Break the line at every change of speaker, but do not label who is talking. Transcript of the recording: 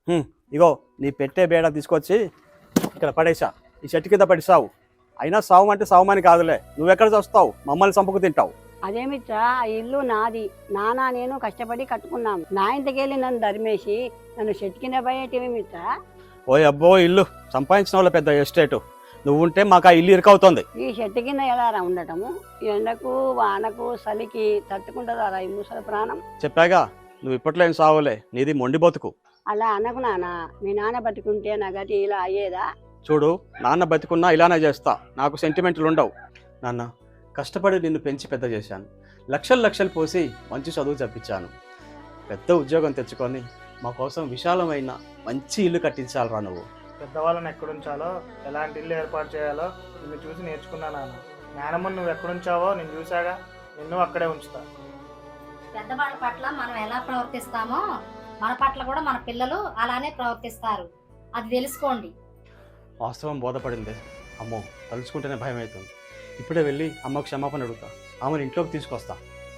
ఇగో నీ పెట్టే బేడ తీసుకొచ్చి ఇక్కడ పడేసా, ఈ చెట్టు కింద పడిసావు. అయినా సావు అంటే సావుమని కాదులే, నువ్వెక్కడ చూస్తావు, మమ్మల్ని చంపుకు తింటావు.
అదేమిట్రా, ఆ ఇల్లు నాది, నాన్న నేను కష్టపడి కట్టుకున్నాం. నా ఇంటికెళ్ళి నన్ను ధర్మేసి నన్ను చెట్టు కింద పోయేటివేమిట్రా?
ఓ అబ్బో, ఇల్లు సంపాదించిన వాళ్ళ పెద్ద ఎస్టేటు, నువ్వు ఉంటే మాకు ఆ ఇల్లు ఇరుకవుతుంది.
ఈ చెట్టు కింద ఎలా ఉండటము? ఎండకు వానకు చలికి తట్టుకుంటుందా ఈ ముసలి ప్రాణం?
చెప్పాగా, నువ్వు ఇప్పట్లో ఏం సావులే, నీది మొండి బతుకు.
అలా అనకు నాన్న, మీ నాన్న బతుకుంటే నా గతి ఇలా అయ్యేదా?
చూడు, నాన్న బతికున్నా ఇలానే చేస్తా, నాకు సెంటిమెంట్లు ఉండవు. నాన్న, కష్టపడి నిన్ను పెంచి పెద్ద చేశాను, లక్షలు లక్షలు పోసి మంచి చదువు చెప్పించాను. పెద్ద ఉద్యోగం తెచ్చుకొని మా కోసం విశాలమైన మంచి ఇల్లు కట్టించాలరా నువ్వు.
పెద్దవాళ్ళని ఎక్కడుంచాలో, ఎలాంటి ఇల్లు ఏర్పాటు చేయాలో నిన్ను చూసి నేర్చుకున్నా నాన్న. నానమ్మని నువ్వు ఎక్కడుంచావో నేను చూశాగా, నిన్ను అక్కడే ఉంచుతా.
పెద్దవాళ్ళ పట్ల మనం ఎలా ప్రవర్తిస్తామో మన పట్ల కూడా మన పిల్లలు అలానే ప్రవర్తిస్తారు, అది తెలుసుకోండి.
వాస్తవం బోధపడింది. అమ్మో, తలుచుకుంటేనే భయం అవుతుంది. ఇప్పుడే వెళ్ళి అమ్మకు క్షమాపణ అడుగుతా, ఆమెను ఇంట్లోకి తీసుకొస్తా.